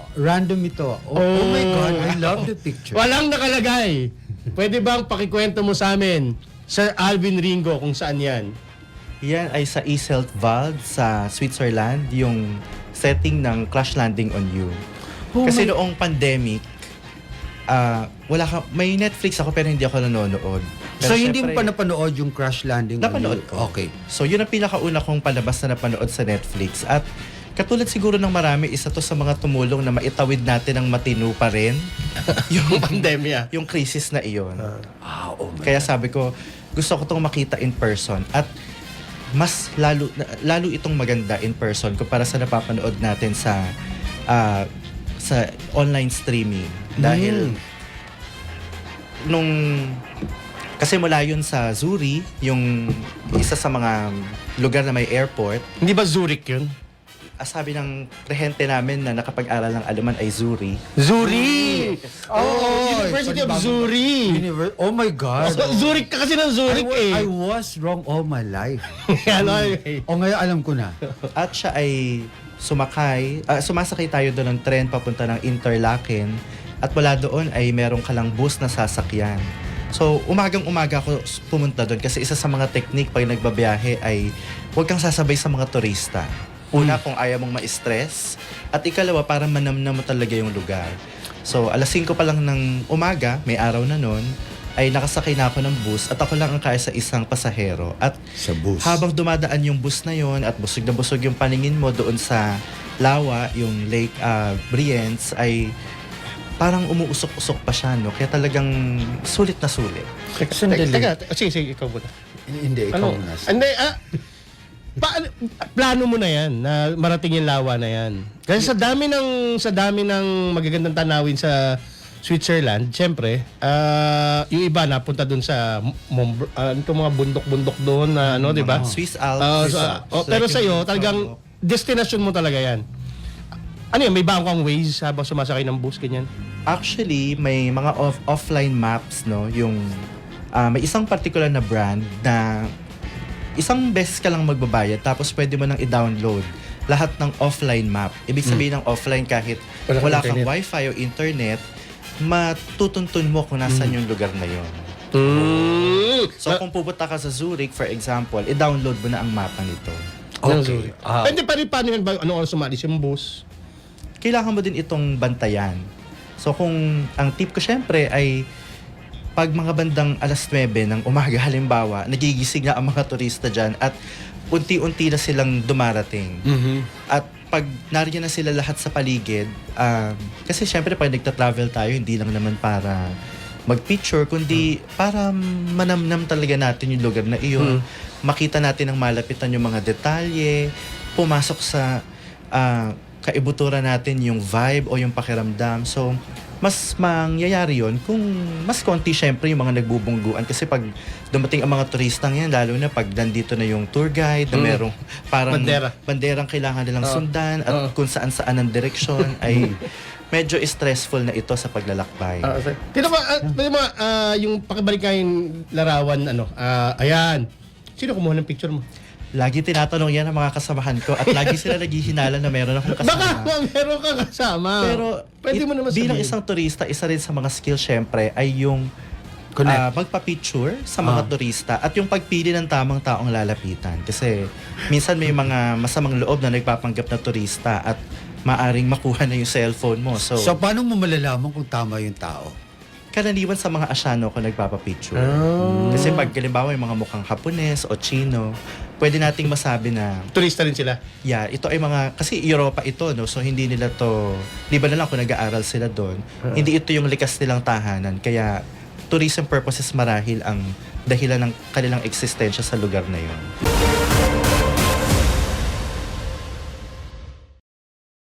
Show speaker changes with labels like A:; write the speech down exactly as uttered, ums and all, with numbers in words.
A: random ito. Oh, oh my God, I love the picture.
B: Walang nakalagay. Pwede bang pakikwento mo sa amin, Sir Alvin Ringo, kung saan yan?
C: Yan ay sa Iseltwald sa Switzerland, yung setting ng Crash Landing on You.
B: Oh
C: Kasi
B: my-
C: noong pandemic, ah wala ka, may Netflix ako pero hindi ako nanonood. Pero
A: So, hindi mo
C: syempre,
A: pa napanood yung Crash Landing? on
C: Napanood
A: You?
C: ko.
A: Okay.
C: So yun ang pinakauna kong palabas na napanood sa Netflix. At katulad siguro ng marami, isa to sa mga tumulong na maitawid natin ng matino pa rin
B: Yung pandemya.
C: yung crisis na iyon.
A: Ah, oh my
C: Kaya sabi ko, gusto ko itong makita in person. At mas lalo lalo itong maganda in person kumpara sa napapanood natin sa ah, sa online streaming. Dahil nung kasi mula yun sa Zurich, yung isa sa mga lugar na may airport,
B: Hindi ba Zurich yun?
C: ah, sabi ng rehente namin na nakapag-aral ng Aleman ay Zurich.
B: Zurich!
A: Oh,
B: University of
A: panibago-
B: Zurich!
A: Univer- oh my God.
B: Oh, Zurich ka kasi ng
A: I,
B: Zurich
A: wa-
B: eh.
A: I was wrong all my life.
B: ano, anyway.
A: O ngayon alam ko na.
C: At siya ay sumakay, ah, sumasakay tayo doon ng tren papunta ng Interlaken at mula doon ay meron ka lang bus na sasakyan. So, umagang-umaga ako s- pumunta doon kasi isa sa mga technique pag nagbabiyahe ay huwag kang sasabay sa mga turista. Una, kung ayaw mong ma-stress. At ikalawa, para manamnam mo talaga yung lugar. So, alas singko pa lang ng umaga, may araw na noon, ay nakasakay na ako ng bus at ako lang ang kaya sa isang pasahero. At
A: Sa bus.
C: habang dumadaan yung bus na yon at busog na busog yung paningin mo doon sa Lawa, yung Lake uh, Brienz, ay parang umuusok-usok pa siya, no? Kaya talagang sulit na sulit.
B: Teka,
A: Sandali.
B: teka, teka, sige, sige, ikaw muna.
A: Hindi, ikaw
B: Ano?
A: na.
B: Hindi, ah, paano, plano mo na yan, na marating yung lawa na yan. Kasi sa dami ng, sa dami ng magagandang tanawin sa Switzerland, syempre, ah, yung iba napunta doon sa Mont, uh, mga bundok-bundok doon na ano, di ba?
C: Swiss Alps.
B: Ah,
C: Swiss
B: so,
C: Alps.
B: oh, pero
C: Like
B: sa iyo,
C: yung-
B: talagang destination mo talaga yan. Ano yan, may bago kang ways habang sumasakay ng bus, ganyan?
C: Actually, may mga off- offline maps, no? Yung ah, may isang particular na brand na isang beses ka lang magbabayad tapos pwede mo nang i-download lahat ng offline map. Ibig sabihin ng offline kahit
B: Wala kang
C: wala kang
B: internet.
C: wifi o internet, matutuntun mo kung nasan yung lugar na yon.
B: Mm.
C: So kung pupunta ka sa Zurich, for example, i-download mo na ang mapa nito.
A: Okay. Ah,
B: Pwede pa rin, paano yun? ba- Anong oras sumalis yung bus?
C: Kailangan mo din itong bantayan. So kung ang tip ko syempre ay pag mga bandang alas nuwebe ng umaga halimbawa, nagigising na ang mga turista dyan at unti-unti na silang dumarating.
B: Mm-hmm.
C: At pag nariyan na sila lahat sa paligid, um, kasi syempre pag nagta-travel tayo, hindi lang naman para mag-picture, kundi para manamnam talaga natin yung lugar na iyon. Makita natin ang malapitan yung mga detalye, pumasok sa ah, kaibuturan natin yung vibe o yung pakiramdam. So, mas mangyayari yon kung mas konti syempre yung mga nagbubungguan. Kasi pag dumating ang mga turistang yan, lalo na pag nandito na yung tour guide na
B: Mm.
C: merong parang
B: Bandera.
C: banderang kailangan nilang
B: Ah.
C: sundan at
B: Ah.
C: kung saan-saan ang direksyon ay medyo stressful na ito sa paglalakbay.
B: Ah, okay. Tino ba, ah, pwede mo, ah, yung pakibalik ka yung larawan, ano, ah, ayan. Sino kumuha ng picture mo?
C: Lagi tinatanong yan ng mga kasamahan ko at lagi sila naghihinala na meron akong kasama.
B: Baka ma- meron kang kasama.
C: Pero
B: pwede
C: it-
B: mo naman
C: bilang
B: sabihin.
C: isang turista, isa rin sa mga skill syempre ay yung
A: Connect.
C: ah, magpa-picture sa mga
A: Ah.
C: turista at yung pagpili ng tamang taong lalapitan. Kasi minsan may mga masamang loob na nagpapanggap na turista at maaring makuha na yung cellphone mo. So,
A: so, paano mo malalaman kung tama yung tao?
C: karaniwan sa mga Asyano ako nagpapapicture.
B: Ah.
C: Kasi pag halimbawa yung mga mukhang Hapones o Chino, pwede nating masabi na
B: Turista rin sila.
C: yeah, ito ay mga, kasi Europa ito, no? So hindi nila to, di ba na lang kung nag-aaral sila doon, hindi ito yung likas nilang tahanan. Kaya tourism purposes marahil ang dahilan ng kanilang eksistensya sa lugar na yun.